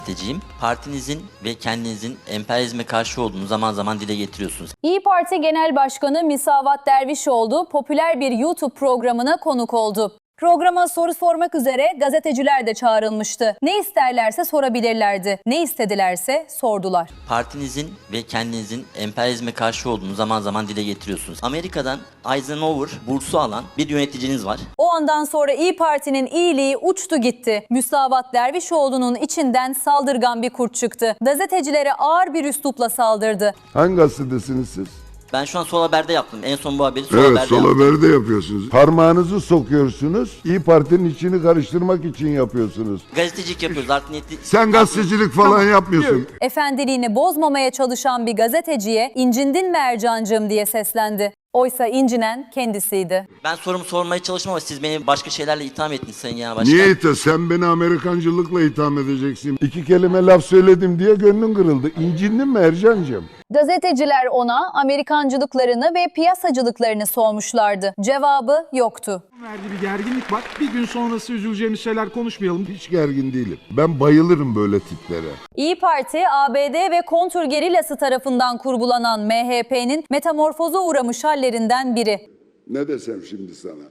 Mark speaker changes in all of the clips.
Speaker 1: Partinizin ve kendinizin emperyalizme karşı olduğunu zaman zaman dile getiriyorsunuz.
Speaker 2: İYİ Parti Genel Başkanı Müsavat Dervişoğlu popüler bir YouTube programına konuk oldu. Programa soru sormak üzere gazeteciler de çağrılmıştı. Ne isterlerse sorabilirlerdi. Ne istedilerse sordular.
Speaker 1: Partinizin ve kendinizin emperyalizme karşı olduğunu zaman zaman dile getiriyorsunuz. Amerika'dan Eisenhower bursu alan bir yöneticiniz var.
Speaker 2: O andan sonra İYİ Parti'nin iyiliği uçtu gitti. Müsavat Dervişoğlu'nun içinden saldırgan bir kurt çıktı. Gazetecilere ağır bir üslupla saldırdı.
Speaker 3: Hangi gazetesiniz siz?
Speaker 1: Ben şu an Sol Haber'de yaptım. En son bu haberi Sol
Speaker 3: Evet,
Speaker 1: Haber'de
Speaker 3: Sol
Speaker 1: yaptım.
Speaker 3: Haber'de yapıyorsunuz. Parmağınızı sokuyorsunuz. İYİ Parti'nin içini karıştırmak için yapıyorsunuz.
Speaker 1: Gazetecilik yapıyoruz. Art niyetli...
Speaker 3: Sen gazetecilik falan yapmıyorsun.
Speaker 2: Efendiliğini bozmamaya çalışan bir gazeteciye "İncindin mi Ercancığım?" diye seslendi. Oysa incinen kendisiydi.
Speaker 1: Ben sorumu sormaya çalışmam ama siz beni başka şeylerle itham ettiniz Sayın Genel Başkan.
Speaker 3: Niye itham? Sen beni Amerikancılıkla itham edeceksin. 2 kelime laf söyledim diye gönlün kırıldı. İncindin mi Ercancığım?
Speaker 2: Gazeteciler ona Amerikancılıklarını ve piyasacılıklarını sormuşlardı. Cevabı yoktu.
Speaker 4: Verdiği bir gerginlik var. Bir gün sonrası üzüleceğimiz şeyler konuşmayalım.
Speaker 3: Hiç gergin değilim. Ben bayılırım böyle tiplere.
Speaker 2: İYİ Parti, ABD ve kontrgerilası tarafından kurgulanan MHP'nin metamorfoza uğramış hallerinden biri.
Speaker 3: Ne desem şimdi sana?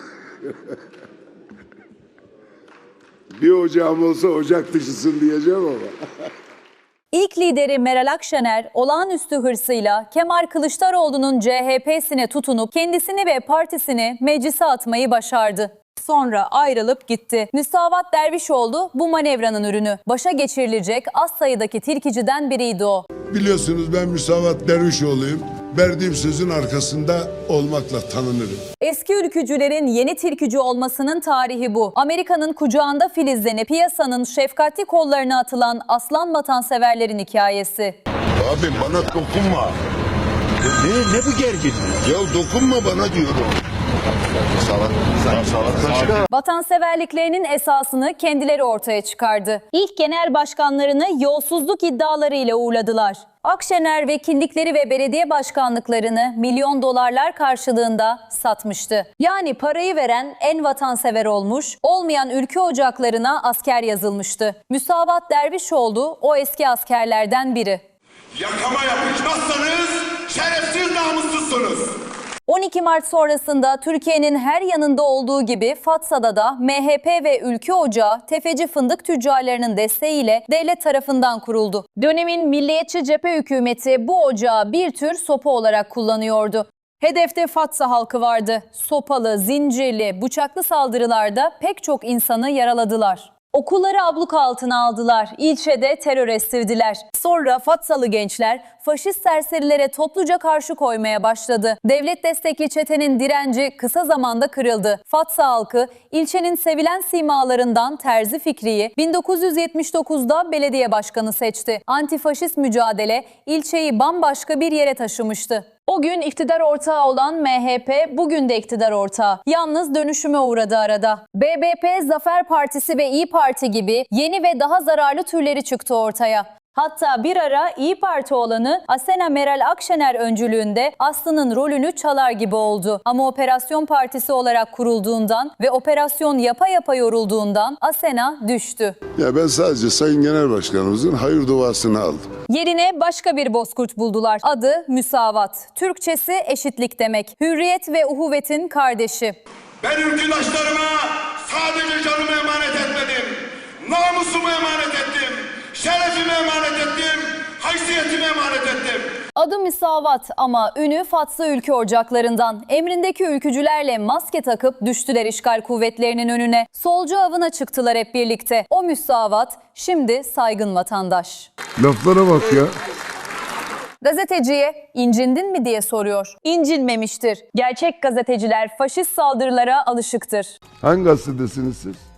Speaker 3: Bir ocağım olsa ocak dışısın diyeceğim ama.
Speaker 2: İlk lideri Meral Akşener olağanüstü hırsıyla Kemal Kılıçdaroğlu'nun CHP'sine tutunup kendisini ve partisini meclise atmayı başardı. Sonra ayrılıp gitti. Müsavat Dervişoğlu bu manevranın ürünü. Başa geçirilecek az sayıdaki tilkiciden biriydi o.
Speaker 3: Biliyorsunuz ben Müsavat Dervişoğlu'yum. Verdiğim sözün arkasında olmakla tanınırım.
Speaker 2: Eski ülkücülerin yeni tilkücü olmasının tarihi bu. Amerika'nın kucağında filizlenip piyasanın şefkatli kollarına atılan aslan vatanseverlerin hikayesi.
Speaker 3: Abi bana dokunma. Ne bu gerginlik? Ya dokunma bana diyorum.
Speaker 2: Vatanseverliklerinin esasını kendileri ortaya çıkardı. İlk genel başkanlarını yolsuzluk iddialarıyla uğurladılar. Akşener vekillikleri ve belediye başkanlıklarını milyon dolarlar karşılığında satmıştı. Yani parayı veren en vatansever olmuş, olmayan ülke ocaklarına asker yazılmıştı. Müsavat Dervişoğlu o eski askerlerden biri.
Speaker 5: Yakama yapışmazsanız şerefsiz namussuzsunuz.
Speaker 2: 12 Mart sonrasında Türkiye'nin her yanında olduğu gibi Fatsa'da da MHP ve Ülke Ocağı tefeci fındık tüccarlarının desteğiyle devlet tarafından kuruldu. Dönemin milliyetçi cephe hükümeti bu ocağı bir tür sopa olarak kullanıyordu. Hedefte Fatsa halkı vardı. Sopalı, zincirli, bıçaklı saldırılarda pek çok insanı yaraladılar. Okulları abluka altına aldılar, ilçede terör estirdiler. Sonra Fatsalı gençler faşist serserilere topluca karşı koymaya başladı. Devlet destekli çetenin direnci kısa zamanda kırıldı. Fatsa halkı ilçenin sevilen simalarından Terzi Fikri'yi 1979'da belediye başkanı seçti. Antifaşist mücadele ilçeyi bambaşka bir yere taşımıştı. O gün iktidar ortağı olan MHP bugün de iktidar ortağı. Yalnız dönüşüme uğradı arada. BBP, Zafer Partisi ve İYİ Parti gibi yeni ve daha zararlı türleri çıktı ortaya. Hatta bir ara İYİ Parti olanı Asena Meral Akşener öncülüğünde Aslı'nın rolünü çalar gibi oldu. Ama Operasyon Partisi olarak kurulduğundan ve operasyon yapa yapa yorulduğundan Asena düştü.
Speaker 3: Ya ben sadece Sayın Genel Başkanımızın hayır duasını aldım.
Speaker 2: Yerine başka bir bozkurt buldular. Adı Müsavat. Türkçesi eşitlik demek. Hürriyet ve uhuvvetin kardeşi.
Speaker 5: Ben ülküdaşlarıma sadece canımı emanet etmedim. Namusumu emanet ettim. Şerefimi emanet ettim. Haysiyetimi emanet ettim.
Speaker 2: Adı Müsavat ama ünü Fatsa ülke ocaklarından. Emrindeki ülkücülerle maske takıp düştüler işgal kuvvetlerinin önüne. Solcu avına çıktılar hep birlikte. O Müsavat şimdi saygın vatandaş.
Speaker 3: Laflara bak ya.
Speaker 2: Gazeteciye incindin mi diye soruyor. İncinmemiştir. Gerçek gazeteciler faşist saldırılara alışıktır.
Speaker 3: Hangi gazetesiniz siz?